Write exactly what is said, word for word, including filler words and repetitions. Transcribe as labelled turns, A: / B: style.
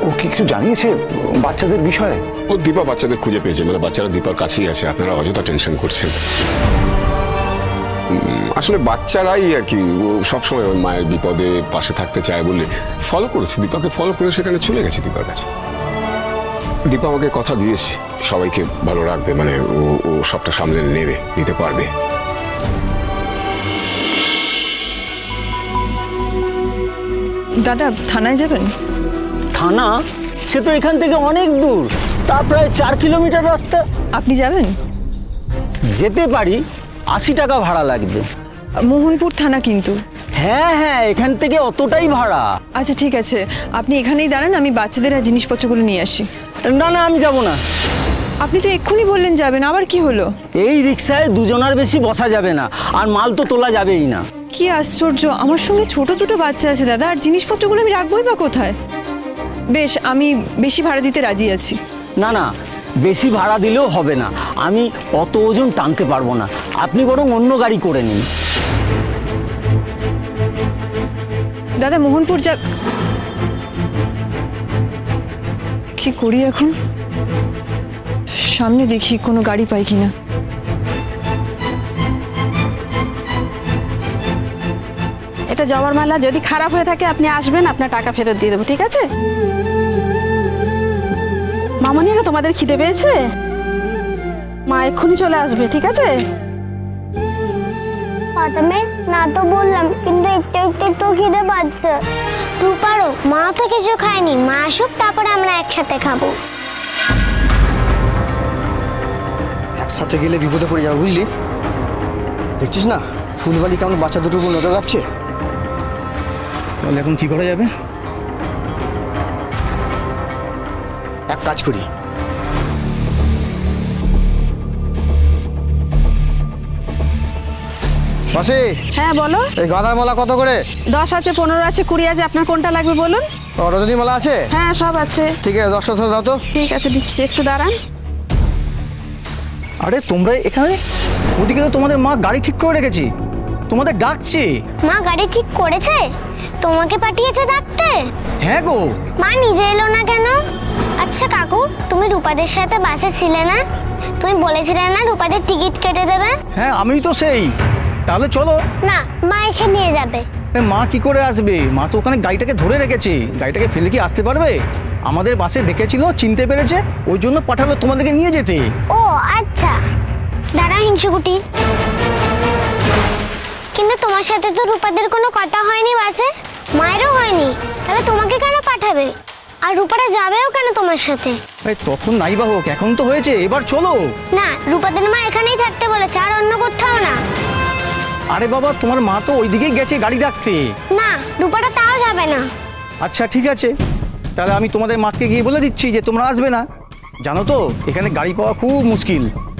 A: ও কি কিছু জানিয়েছে বাচ্চাদের বিষয়ে?
B: ও দীপা বাচ্চাদের খুঁজে পেয়েছে, মানে বাচ্চারা দীপার কাছেই আছে। আপনারা অযথা টেনশন করছেন। আসলে বাচ্চারাই আর কি সবসময় ওর মায়ের বিপদে পাশে থাকতে চায় বলে ফলো করেছে, দীপাকে ফলো করে সেখানে চলে গেছে দীপার কাছে। দীপা আমাকে কথা দিয়েছে সবাইকে ভালো রাখবে, মানে ও ও সবটা সামলে নেবে, নিতে পারবে।
C: দাদা থানায় যাবেন?
D: থানা? সে তো এখান থেকে অনেক দূর, তা প্রায় চার কিলোমিটার রাস্তা।
C: আপনি যাবেন?
D: যেতে পারি, আশি টাকা ভাড়া লাগবে।
C: মোহনপুর থানা কিন্তু।
D: হ্যাঁ হ্যাঁ, এখান থেকে অতটাই ভাড়া।
C: আচ্ছা ঠিক আছে, আপনি এখানেই দাঁড়ান, আমি বাচ্চাদের আর জিনিসপত্রগুলো নিয়ে আসি।
D: না না, আমি যাব না।
C: আপনি তো এক্ষুনি বললেন যাবেন, আবার কি হলো?
D: এই রিক্সায় দুজনের বেশি বসা যাবে না, আর মাল তো তোলা যাবেই না।
C: কি আশ্চর্য, আমার সঙ্গে ছোট দুটো বাচ্চা আছে দাদা, আর জিনিসপত্রগুলো আমি রাখবোই বা কোথায়? বেশ, আমি বেশি ভাড়া দিতে রাজি আছি।
D: না না, বেশি ভাড়া দিলেও হবে না, আমি অত ওজন টানতে পারবো না। আপনি বরং অন্য গাড়ি করে নিন।
C: দাদা মোহনপুর যা, কি করি এখন? সামনে দেখি কোনো গাড়ি পাই কিনা।
E: এটা জবার মালা, যদি খারাপ হয়ে থাকে আপনি আসবেন, আপনার টাকা ফেরত দিয়ে দেবো, ঠিক আছে? মামনিরা, তোমাদের খিদে পেয়েছে? মা এক্ষুনি চলে আসবে, ঠিক আছে?
F: প্রথমে না তো বললাম, কিন্তু একটু একটু একটু খিদে পাচ্ছে। রূপারও মা তো কিছু খায়নি, মা আসুক তারপরে আমরা একসাথে খাবো।
G: একসাথে গেলে বিপদে পড়ে যাবো, বুঝলি? দেখছিস না ফুলবালি কেমন বাচ্চা দুটোর উপর নজর রাখছে। তাহলে এখন কি করা যাবে? এক কাজ করি, মাসি
E: হ্যাঁ বলো।
G: এই গাঁদার মালা কত করে?
E: দশ আছে, পনেরো আছে, কুড়ি আছে, আপনার কোনটা লাগবে বলুন।
G: ও, রজনী মালা আছে?
E: হ্যাঁ সব আছে।
G: ঠিক আছে, দশটা ধরে দাও তো।
E: ঠিক আছে দিচ্ছি, একটু দাঁড়ান।
G: আরে তোমরা এখানে? ওদিকে তো তোমাদের মা গাড়ি ঠিক করে রেখেছি, তোমাদের ডাকছে।
F: মা গাড়ি ঠিক করেছে? তোমাকে পাঠিয়েছে ডাকতে?
G: হ্যাঁ গো।
F: মা নিজে এলো না কেন? আচ্ছা কাকু, তুমি রূপাদের সাথে বাসে ছিলে না? তুমি বলেছিলে না রূপাদের টিকিট কেটে দেবে?
G: হ্যাঁ আমি তো সেই। তাহলে চলো।
F: না, মা এসে নিয়ে যাবে।
G: এ, মা কি করে আসবে? মা তো ওখানে গাড়িটাকে ধরে রেখেছে, গাড়িটাকে ফেলে কি আসতে পারবে? আমাদের বাসে দেখেছিল, চিনতে পেরেছে, ওই জন্য পাঠালো তোমাদেরকে নিয়ে যেতে।
F: ও আচ্ছা, দাঁড়া হিংসুকুটি। কিন্তু তোমার সাথে তো রূপাদের কোনো কথা হয়নি বাসে, মায়েরও হয়নি, তাহলে তোমাকে কেন পাঠাবে? আর রূপারা যাবেও কেন তোমার সাথে?
G: এই তখন নাই বা হোক, এখন তো হয়েছে, এবার চলো।
F: না, রূপাদের মা এখানেই থাকতে বলেছে, আর অন্য কোথাও না।
G: আরে বাবা, তোমার মা তো ওইদিকেই গেছে গাড়ি রাখতে।
F: না, রূপাটা তাও যাবে না।
G: আচ্ছা ঠিক আছে, তাহলে আমি তোমাদের মাকে গিয়ে বলে দিচ্ছি যে তোমরা আসবে না। জানো তো এখানে গাড়ি পাওয়া খুব মুশকিল।